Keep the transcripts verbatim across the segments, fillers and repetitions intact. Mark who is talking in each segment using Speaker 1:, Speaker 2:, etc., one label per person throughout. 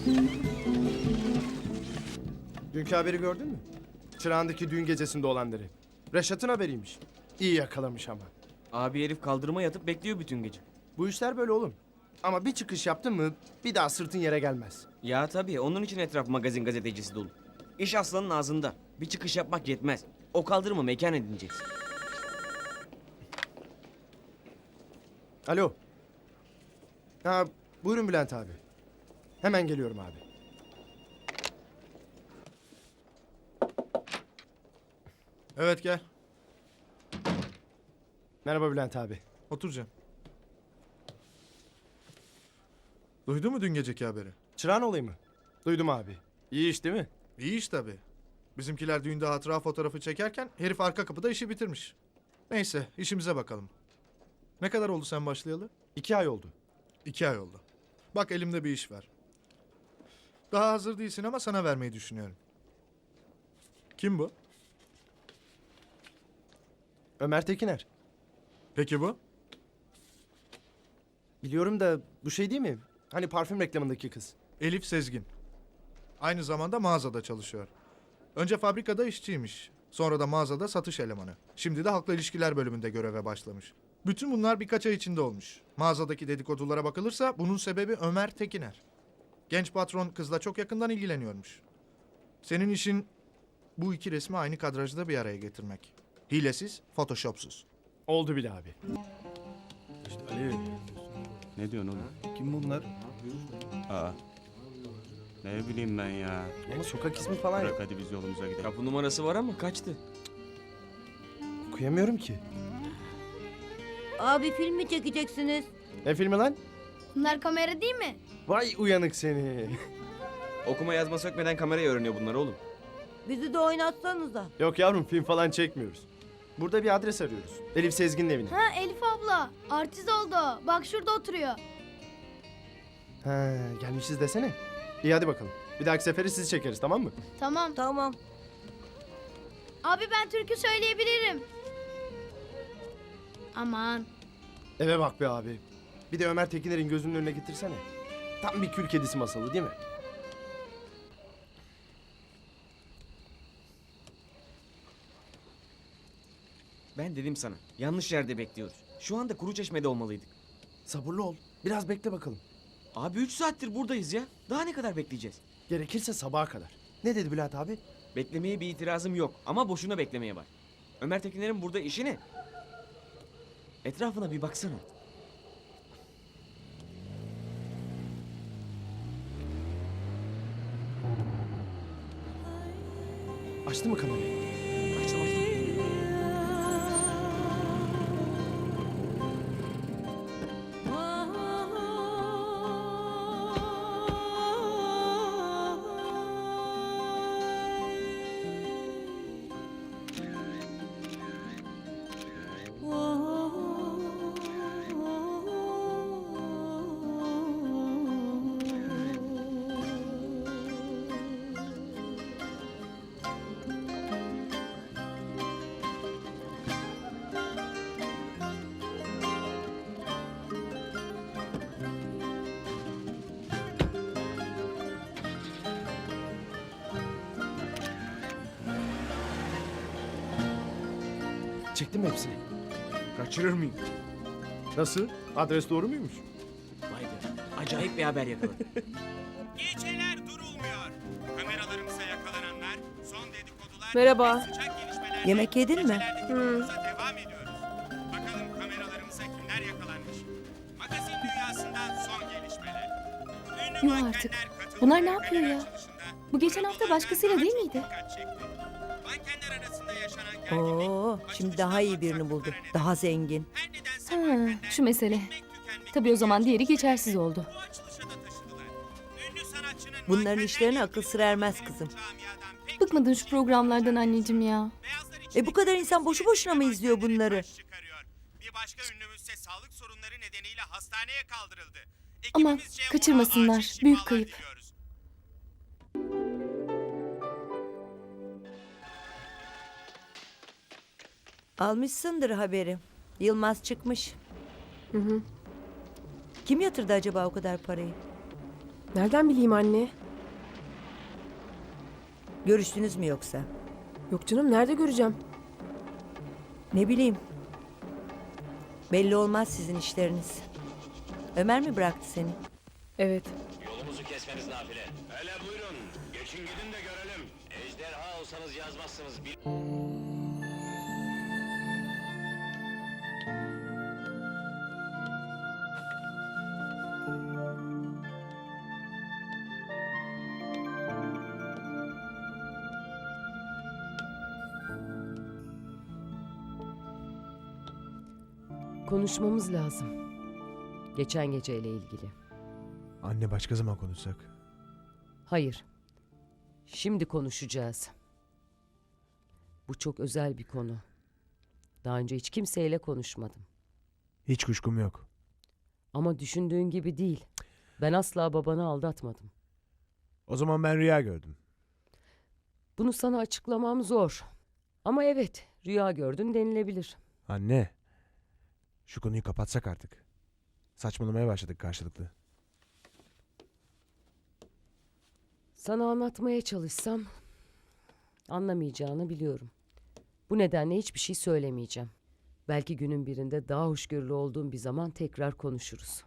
Speaker 1: Dünkü haberi gördün mü? Çırağan'daki düğün gecesinde olanları. Reşat'ın haberiymiş. İyi yakalamış ama.
Speaker 2: Abi herif kaldırıma yatıp bekliyor bütün gece.
Speaker 1: Bu işler böyle oğlum. Ama bir çıkış yaptın mı bir daha sırtın yere gelmez.
Speaker 2: Ya tabii onun için etraf magazin gazetecisi dolu. İş aslanın ağzında. Bir çıkış yapmak yetmez. O kaldırımı mekan edineceksin.
Speaker 1: Alo. Ha, buyurun Bülent abi. Hemen geliyorum abi.
Speaker 3: Evet gel.
Speaker 1: Merhaba Bülent abi.
Speaker 3: Otur Cem. Duydun mu dün geceki haberi?
Speaker 1: Çırağan olayı mı? Duydum abi. İyi iş değil mi?
Speaker 3: İyi iş tabii. Bizimkiler düğünde hatıra fotoğrafı çekerken herif arka kapıda işi bitirmiş. Neyse işimize bakalım. Ne kadar oldu sen başlayalı?
Speaker 1: İki ay oldu.
Speaker 3: İki ay oldu. Bak elimde bir iş var. Daha hazır değilsin ama sana vermeyi düşünüyorum. Kim bu?
Speaker 1: Ömer Tekiner.
Speaker 3: Peki bu?
Speaker 1: Biliyorum da bu şey değil mi? Hani parfüm reklamındaki kız.
Speaker 3: Elif Sezgin. Aynı zamanda mağazada çalışıyor. Önce fabrikada işçiymiş. Sonra da mağazada satış elemanı. Şimdi de halkla ilişkiler bölümünde göreve başlamış. Bütün bunlar birkaç ay içinde olmuş. Mağazadaki dedikodulara bakılırsa bunun sebebi Ömer Tekiner. Genç patron kızla çok yakından ilgileniyormuş. Senin işin bu iki resmi aynı kadrajda bir araya getirmek. Hilesiz, photoshopsuz.
Speaker 1: Oldu bile abi.
Speaker 4: Ali. Ne diyorsun oğlum?
Speaker 5: Kim bunlar?
Speaker 4: Aa. Ne bileyim ben ya.
Speaker 1: Ama sokak ismi falan
Speaker 4: Bırak
Speaker 1: yok.
Speaker 4: hadi biz yolumuza gidelim.
Speaker 2: Kapı numarası var ama kaçtı.
Speaker 1: Okuyamıyorum ki.
Speaker 6: Abi film mi çekeceksiniz?
Speaker 1: Ne filmi lan?
Speaker 7: Bunlar kamera değil mi?
Speaker 1: Vay uyanık seni.
Speaker 2: Okuma yazma sökmeden kamerayı öğreniyor bunlar oğlum.
Speaker 6: Bizi de oynatsanıza.
Speaker 1: Yok yavrum film falan çekmiyoruz. Burada bir adres arıyoruz. Elif Sezgin'in evine.
Speaker 7: Ha Elif abla. Artist oldu. Bak şurada oturuyor.
Speaker 1: Ha, gelmişiz desene. İyi hadi bakalım. Bir dahaki sefere sizi çekeriz tamam mı?
Speaker 7: Tamam.
Speaker 6: Tamam.
Speaker 7: Abi ben türkü söyleyebilirim. Aman.
Speaker 1: Eve bak be abi. Bir de Ömer Tekiner'in gözünün önüne getirsene. Tam bir kül kedisi masalı değil mi?
Speaker 2: Ben dedim sana. Yanlış yerde bekliyoruz. Şu anda Kuruçeşme'de olmalıydık.
Speaker 1: Sabırlı ol. Biraz bekle bakalım.
Speaker 2: Abi üç saattir buradayız ya. Daha ne kadar bekleyeceğiz?
Speaker 1: Gerekirse sabaha kadar. Ne dedi Bülent abi?
Speaker 2: Beklemeye bir itirazım yok ama boşuna beklemeye var. Ömer Tekiner'in burada işi ne? Etrafına bir baksana.
Speaker 1: Açtı mı kamerayı?
Speaker 2: Açtım açtım.
Speaker 1: Çektin mi hepsini?
Speaker 2: Kaçırır mıyım?
Speaker 1: Nasıl? Adres doğru muymuş?
Speaker 2: Vay be. Acayip bir haber yakaladım.
Speaker 8: Geceler durulmuyor. Kameralarımıza yakalananlar, son dedikodular
Speaker 6: Merhaba.
Speaker 8: ve sıcak gelişmeler.
Speaker 6: Yemek yedin mi?
Speaker 8: Hı. Devam ediyoruz. Bakalım kameralarımıza kimler yakalanmış. Magazin dünyasından son gelişmeler. Ünlü
Speaker 9: Yuh
Speaker 8: mankenler
Speaker 9: artık.
Speaker 8: katıldığı
Speaker 9: Bunlar ne yapıyor
Speaker 8: kamera
Speaker 9: ya?
Speaker 8: açılışında
Speaker 9: Bu geçen hafta
Speaker 8: kurgulardan
Speaker 9: başkasıyla
Speaker 8: daha
Speaker 9: değil
Speaker 8: çok
Speaker 9: miydi?
Speaker 8: dikkat çekti. Mankenler arasında yaşanan gerginlik,
Speaker 6: Oo, şimdi daha iyi birini buldu. Daha zengin.
Speaker 8: her nedense
Speaker 9: Ha,
Speaker 8: mankenler
Speaker 9: şu mesele.
Speaker 8: bitmek tükenmek
Speaker 9: Tabii o zaman diğeri
Speaker 8: yaşadıkları
Speaker 9: geçersiz oldu.
Speaker 8: bu açılışa da taşıdılar. Ünlü sanatçının
Speaker 6: Bunların
Speaker 8: mankenlerle
Speaker 6: işlerine akıl
Speaker 8: ilgili
Speaker 6: sır ermez
Speaker 8: görüşleri
Speaker 6: kızım.
Speaker 8: camiadan pek
Speaker 9: Bıkmadın şu programlardan anneciğim ya.
Speaker 8: Beyazlar
Speaker 6: E bu kadar insan boşu boşuna mı izliyor bunları?
Speaker 8: baş çıkarıyor. Bir başka ünlümüzse sağlık sorunları nedeniyle hastaneye kaldırıldı.
Speaker 9: Aman,
Speaker 8: Ekibimizce ona
Speaker 9: kaçırmasınlar.
Speaker 8: acil
Speaker 9: Büyük
Speaker 8: şifalar
Speaker 9: kayıp.
Speaker 8: diliyoruz.
Speaker 6: Almışsındır haberi. Yılmaz çıkmış.
Speaker 9: Hı hı.
Speaker 6: Kim yatırdı acaba o kadar parayı?
Speaker 5: Nereden bileyim anne?
Speaker 6: Görüştünüz mü yoksa?
Speaker 5: Yok canım, nerede göreceğim?
Speaker 6: Ne bileyim. Belli olmaz sizin işleriniz. Ömer mi bıraktı seni?
Speaker 5: Evet.
Speaker 10: Yolumuzu kesmeniz nafile. Hele buyurun. Geçin gidin de görelim. Ejderha olsanız yazmazsınız. Bir...
Speaker 5: Konuşmamız lazım. Geçen geceyle ilgili.
Speaker 11: Anne başka zaman konuşsak.
Speaker 5: Hayır. Şimdi konuşacağız. Bu çok özel bir konu. Daha önce hiç kimseyle konuşmadım.
Speaker 11: Hiç kuşkum yok.
Speaker 5: Ama düşündüğün gibi değil. Ben asla babanı aldatmadım.
Speaker 11: O zaman ben rüya gördüm.
Speaker 5: Bunu sana açıklamam zor. Ama evet, rüya gördün denilebilir.
Speaker 11: Anne. Şu konuyu kapatsak artık. Saçmalamaya başladık karşılıklı.
Speaker 5: Sana anlatmaya çalışsam anlamayacağını biliyorum. Bu nedenle hiçbir şey söylemeyeceğim. Belki günün birinde daha hoşgörülü olduğum bir zaman tekrar konuşuruz.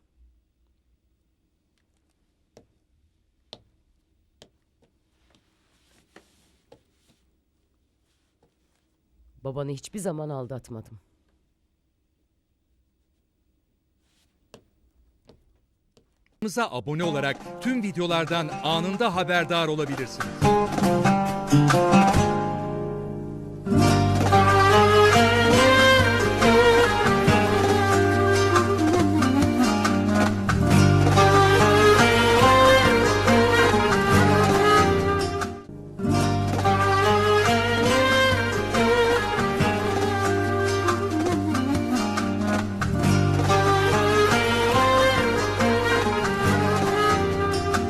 Speaker 5: Babanı hiçbir zaman aldatmadım.
Speaker 12: Kanalımıza abone olarak tüm videolardan anında haberdar olabilirsiniz.